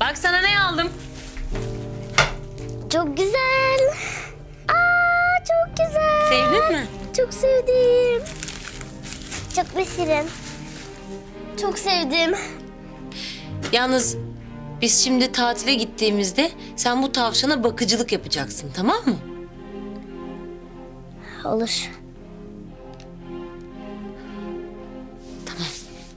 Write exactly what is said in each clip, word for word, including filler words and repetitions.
Bak sana ne aldım. Çok güzel. Aa, çok güzel. Sevdin mi? Çok sevdim. Çok besirim. Çok sevdim. Yalnız biz şimdi tatile gittiğimizde sen bu tavşana bakıcılık yapacaksın, tamam mı? Olur. Tamam.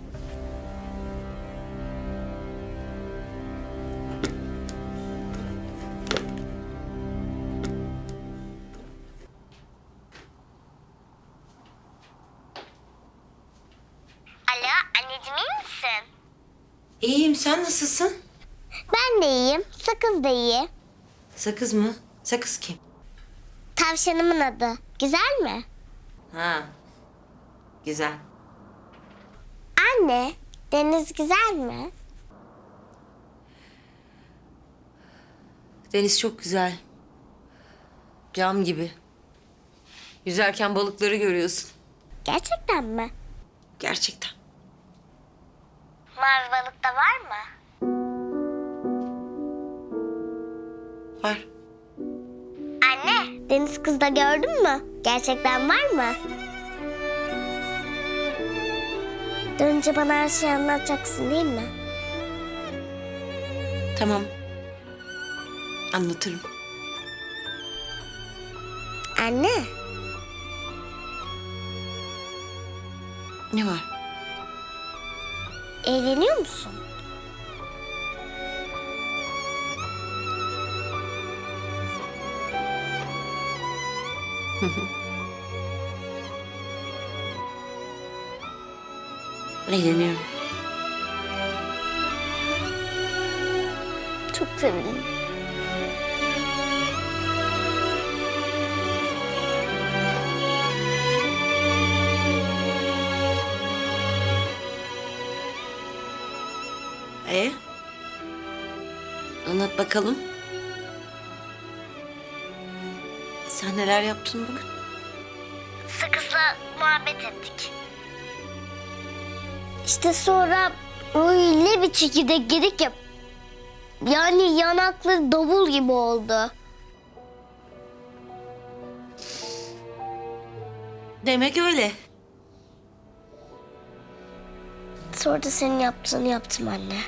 Alo, anneciğim iyi misin? İyiyim, sen nasılsın? Ben de iyiyim. Sakız da iyi. Sakız mı? Sakız kim? Tavşanımın adı. Güzel mi? Ha, güzel. Anne, deniz güzel mi? Deniz çok güzel. Cam gibi. Yüzerken balıkları görüyorsun. Gerçekten mi? Gerçekten. Mavi balık da var mı? Var. Anne, deniz kızı da gördün mü? Gerçekten var mı? Dönünce bana her şeyi anlatacaksın değil mi? Tamam. Anlatırım. Anne, Ne var? eğleniyor musun? Eğleniyorum. Çok sevindim. Ee? Anlat bakalım. Sen neler yaptın bugün? Sakızla muhabbet ettik. İşte sonra öyle bir çekirdek yedik ya. Yani yanakları davul gibi oldu. Demek öyle. Sonra da senin yaptığını yaptım anne.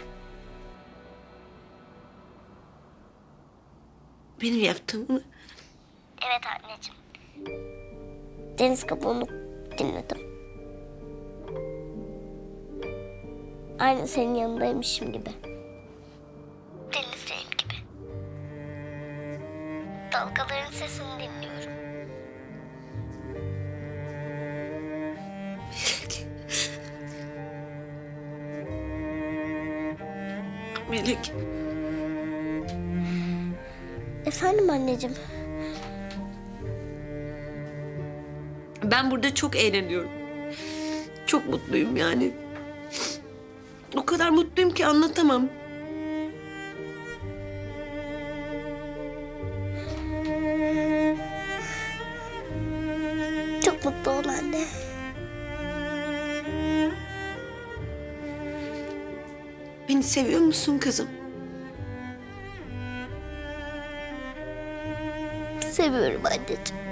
Benim yaptığımı mı? Evet anneciğim. Deniz kabuğunu dinledim. Aynı senin yanındaymışım gibi. Denizdeyim gibi. Dalgaların sesini dinliyorum. Melek. Efendim anneciğim. Ben burada çok eğleniyorum. Çok mutluyum yani. O kadar mutluyum ki anlatamam. Çok mutlu ol anne. Beni seviyor musun kızım? Seviyorum anneciğim.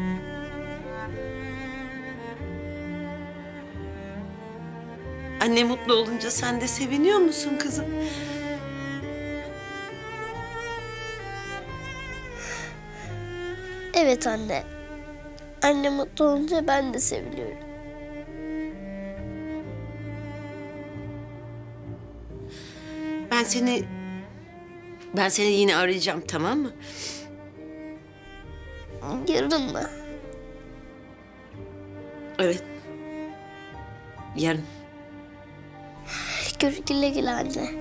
Anne mutlu olunca sen de seviniyor musun kızım? Evet anne. Anne mutlu olunca ben de seviniyorum. Ben seni... Ben seni yine arayacağım, tamam mı? Yarın mı? Evet. Yarın. Gör, güle güle anne.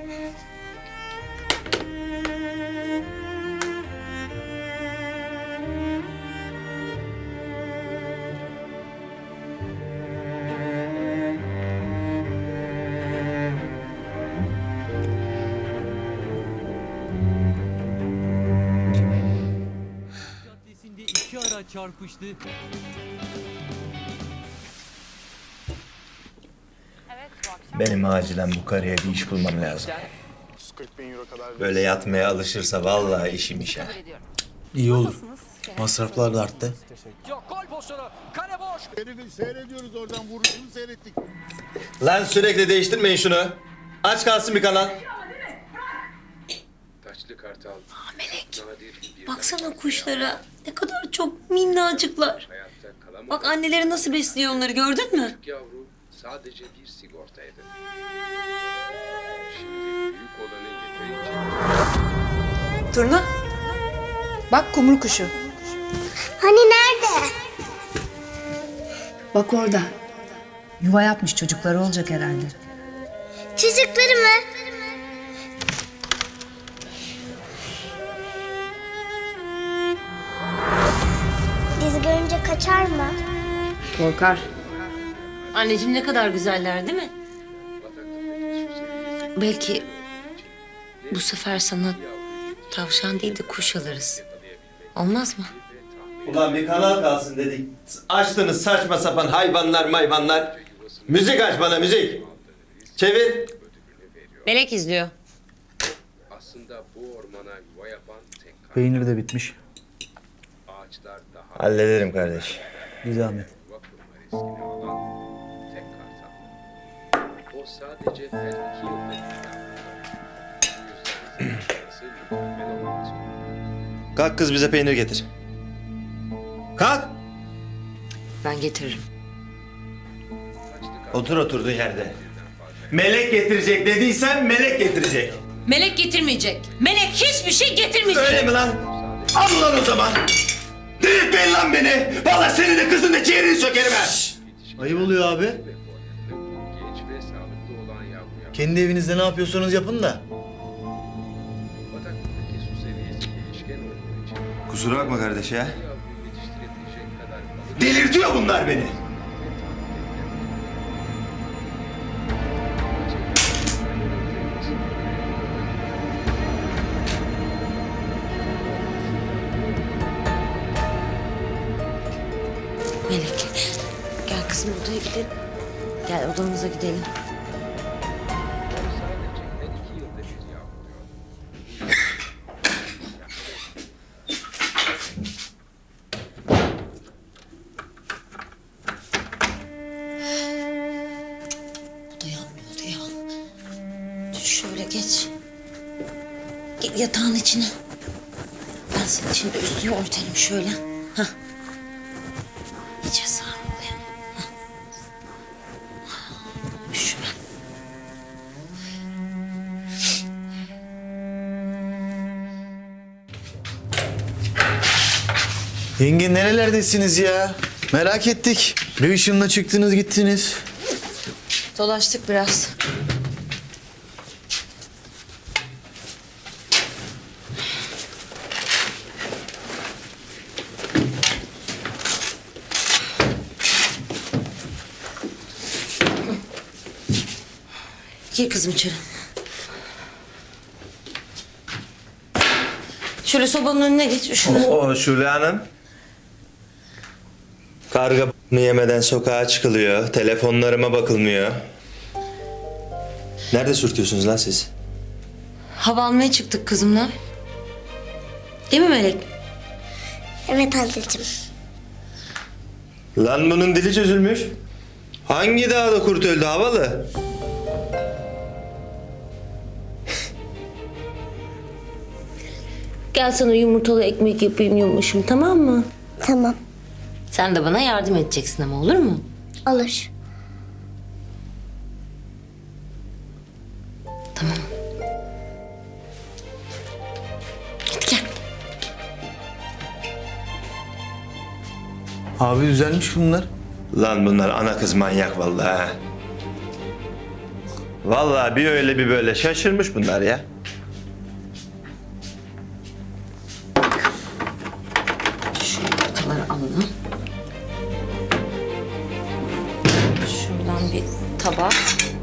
Caddesinde iki araç çarpıştı. Benim acilen bu karıya bir iş bulmam lazım. otuz kırk bin euro kadar. Böyle yatmaya alışırsa vallahi işim iş ha. İyi olur. Masraflar da arttı. Yok, gol pozisyonu. Kale boş. Herifi seyrediyoruz oradan vuruşunu seyrettik. Lan sürekli değiştirmeyin şunu. Aç kalsın bir kanal. Taçlı kartal. Melek, Nadir bir baksana kuşlara. Ne kadar çok minnacıklar. hayatta kalamadı. Bak anneleri nasıl besliyor onları, gördün mü? Yavru sadece bir sigortaydı. Şimdi büyük olanı yeterince Turna. Bak kumru kuşu. Hani nerede? Bak orada. Yuva yapmış, çocukları olacak herhalde. Çocukları mı? Biz görünce kaçar mı? Korkar. Anneciğim ne kadar güzeller değil mi? Belki bu sefer sana tavşan değil de kuş alırız. Olmaz mı? Ulan bir kanal kalsın dedik. Açtınız saçma sapan hayvanlar mayvanlar. Müzik aç bana müzik. Çevir. Melek izliyor. aslında bu ormana yuva yapan tek kartal. Peynir de bitmiş. Ağaçlar daha Hallederim kardeş. Bir zahmet. yuva kurma riskini alan tek kartal. O sadece her iki yılda bir Bu yüzden zamanlaması mükemmel olmak zorunda. Kalk kız bize peynir getir. Kalk. Ben getiririm. Taçlı kartal Otur oturduğun yerde. Melek getirecek dediysen melek getirecek. Melek getirmeyecek. Melek hiçbir şey getirmeyecek. Öyle mi lan? Al lan o zaman. Delirtmeyin lan beni. Vallahi senin de kızın da ciğerini sökerim ha. Ayıp oluyor abi. genç ve sağlıklı olan yavruya Kendi evinizde ne yapıyorsanız yapın da. bataktaki su seviyesi değişken olduğu için Kusura bakma kardeş ya. yavruyu yetiştirebilecek kadar balık Delirtiyor bunlar beni. Melek, gel kızım odaya gidelim. Gel odamıza gidelim. sadece her iki yılda bir yavruyor. Bu da yanmıyordu ya. Dur şöyle geç. Gel yatağın içine. Ben senin şimdi üstünü örtelim şöyle. Hah. İyice sarmalıyım. Hah. Üşüme. Yenge nerelerdesiniz ya? Merak ettik. Ne ışınla çıktınız gittiniz? Dolaştık biraz. Gir kızım içeri. Şöyle sobanın önüne geç. Şunu. O Şule Hanım. Karga b***ını yemeden sokağa çıkılıyor. Telefonlarıma bakılmıyor. Nerede sürtüyorsunuz lan siz? Hava almaya çıktık kızımla. Değil mi Melek? Evet anneciğim. Lan bunun dili çözülmüş. Hangi dağda kurt öldü havalı? Gel sana yumurtalı ekmek yapayım yumuşum, tamam mı? Tamam. Sen de bana yardım edeceksin ama, olur mu? Olur. Tamam. Hadi gel. Abi düzelmiş bunlar. Lan bunlar ana kız manyak vallahi. ha. Vallahi bir öyle bir böyle şaşırmış bunlar ya. Şu yumurtaları alalım. Şuradan bir tabak.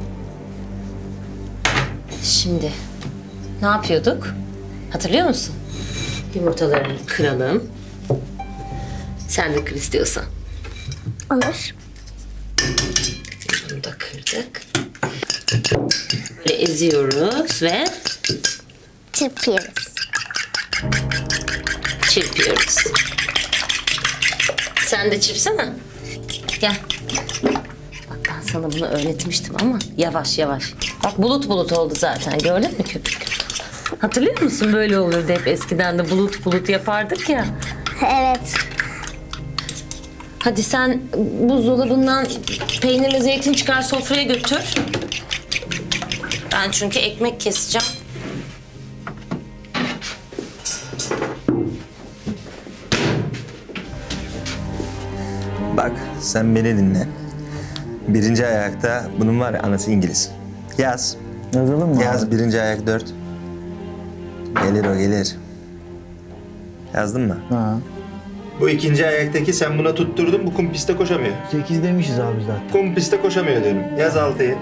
Şimdi ne yapıyorduk? Hatırlıyor musun? Yumurtalarını kıralım. Sen de kır istiyorsan. Olur. Bunu da kırdık. Ve eziyoruz ve Çırpıyoruz. çırpıyoruz. Sen de çırpsana. Gel. Bak ben sana bunu öğretmiştim ama yavaş yavaş. Bak bulut bulut oldu zaten, gördün mü köpük? Hatırlıyor musun, böyle olurdu hep eskiden de, bulut bulut yapardık ya. Evet. Hadi sen buzdolabından peynirle zeytin çıkar, sofraya götür. Ben çünkü ekmek keseceğim. Bak sen beni dinle. Birinci ayakta bunun var ya, anası İngiliz. Yaz. Yazalım mı Yaz abi? birinci ayak dört. Gelir o gelir. Yazdın mı? Ha. Bu ikinci ayaktaki sen buna tutturdun, bu kum piste koşamıyor. sekiz demişiz abi zaten. Kum piste koşamıyor diyorum. Yaz altıyı.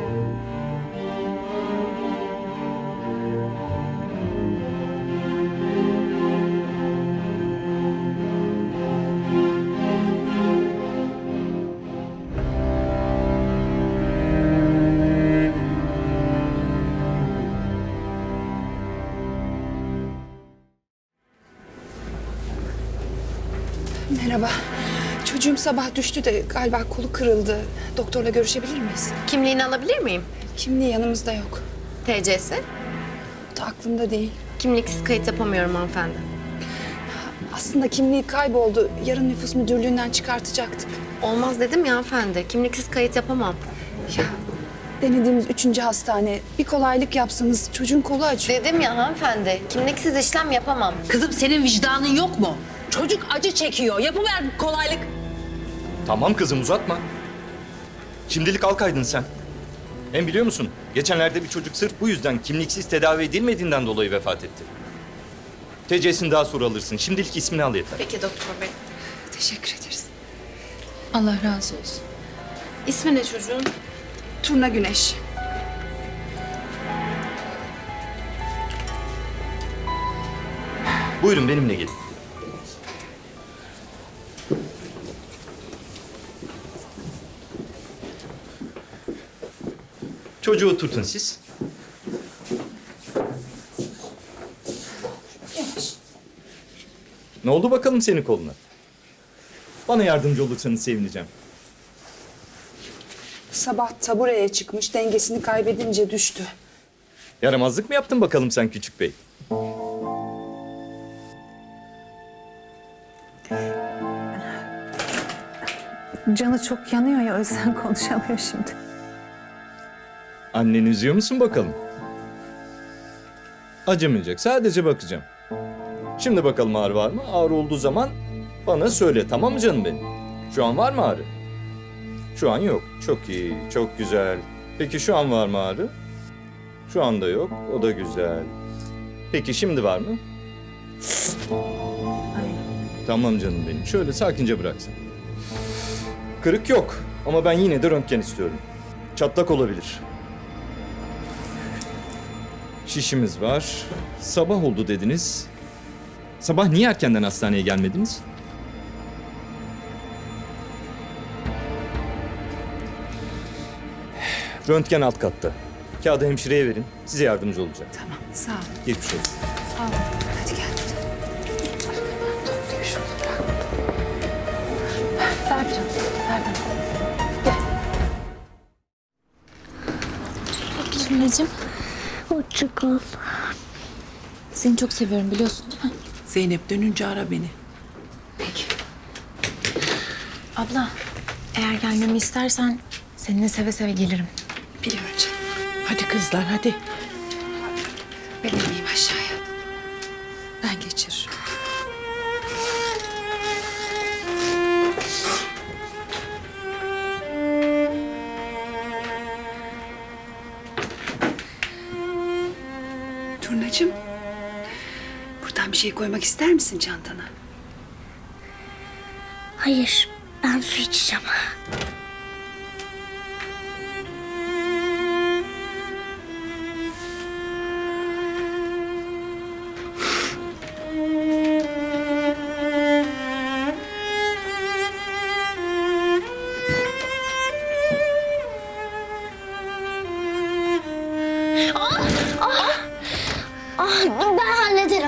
Merhaba. Çocuğum sabah düştü de galiba kolu kırıldı. Doktorla görüşebilir miyiz? Kimliğini alabilir miyim? Kimliği yanımızda yok. T C'si? O da aklımda değil. Kimliksiz kayıt yapamıyorum hanımefendi. Aslında kimliği kayboldu. Yarın nüfus müdürlüğünden çıkartacaktık. Olmaz dedim ya hanımefendi. Kimliksiz kayıt yapamam. Ya denediğimiz üçüncü hastane. Bir kolaylık yapsanız, çocuğun kolu acıyor. Dedim ya hanımefendi. Kimliksiz işlem yapamam. Kızım senin vicdanın yok mu? Çocuk acı çekiyor. Yapıver bir kolaylık. Tamam kızım, uzatma. Şimdilik al kaydını sen. Hem biliyor musun? Geçenlerde bir çocuk sırf bu yüzden kimliksiz tedavi edilmediğinden dolayı vefat etti. T C'sini daha sonra alırsın. Şimdilik ismini al yeter. Peki doktor bey. Teşekkür ederiz. Allah razı olsun. İsmi ne çocuğun? Turna Güneş. Buyurun benimle gelin. Çocuğu oturtun siz. Ne oldu bakalım senin koluna? Bana yardımcı olursanız sevineceğim. Sabah tabureye çıkmış, dengesini kaybedince düştü. Yaramazlık mı yaptın bakalım sen küçük bey? Canı çok yanıyor ya, o yüzden konuşamıyor şimdi. Anneni üzüyor musun bakalım? Acımayacak, sadece bakacağım. Şimdi bakalım ağrı var mı? Ağrı olduğu zaman bana söyle, tamam mı canım benim? Şu an var mı ağrı? Şu an yok. Çok iyi, çok güzel. Peki şu an var mı ağrı? Şu anda yok, o da güzel. Peki şimdi var mı? Tamam canım benim, şöyle sakince bıraksın. Kırık yok ama ben yine de röntgen istiyorum. Çatlak olabilir. Şişimiz var. Sabah oldu dediniz. Sabah niye erkenden hastaneye gelmediniz? Röntgen alt katta. Kağıdı hemşireye verin. Size yardımcı olacak. Tamam, sağ ol. Geçmiş olsun. Hadi gel. Turnacığım, Hoşça kal. seni çok seviyorum biliyorsun değil mi? Zeynep dönünce ara beni. Abla, eğer gelmemi istersen seninle seve seve gelirim. Biliyorum canım. Hadi kızlar hadi. Ben ineyim aşağıya. Ben geçiririm. Turnacığım, buradan bir şey koymak ister misin çantana? Hayır, ben su içeceğim. Ah, ben hallederim.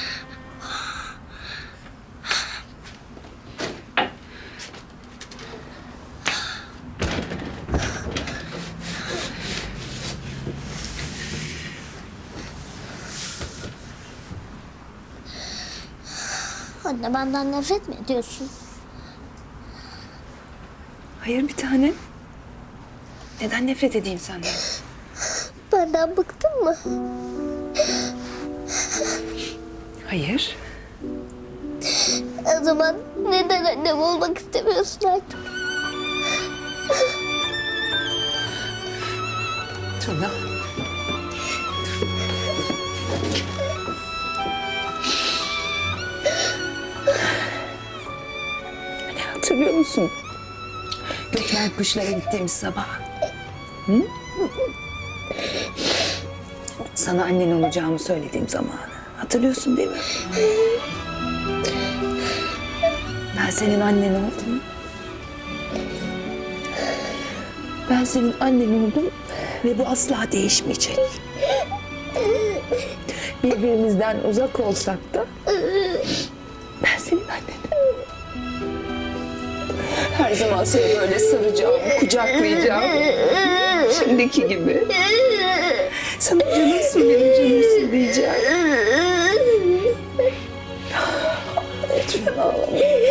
Anne, benden nefret mi ediyorsun? Hayır bir tanem. Neden nefret edeyim senden? Benden bıktın mı? Hayır. O zaman neden annem olmak istemiyorsun artık? Tuna. Hatırlıyor musun? Gökmen kuşlara gittiğimiz sabah. Hı? Sana annen olacağımı söylediğim zamanı. Hatırlıyorsun değil mi? Ben senin annen oldum. Ben senin annen oldum ve bu asla değişmeyecek. Birbirimizden uzak olsak da ben senin annenim. Her zaman seni böyle saracağım, kucaklayacağım. Şimdiki gibi. Sana canımsın, benim canımsın diyeceğim. Lütfen ağlama.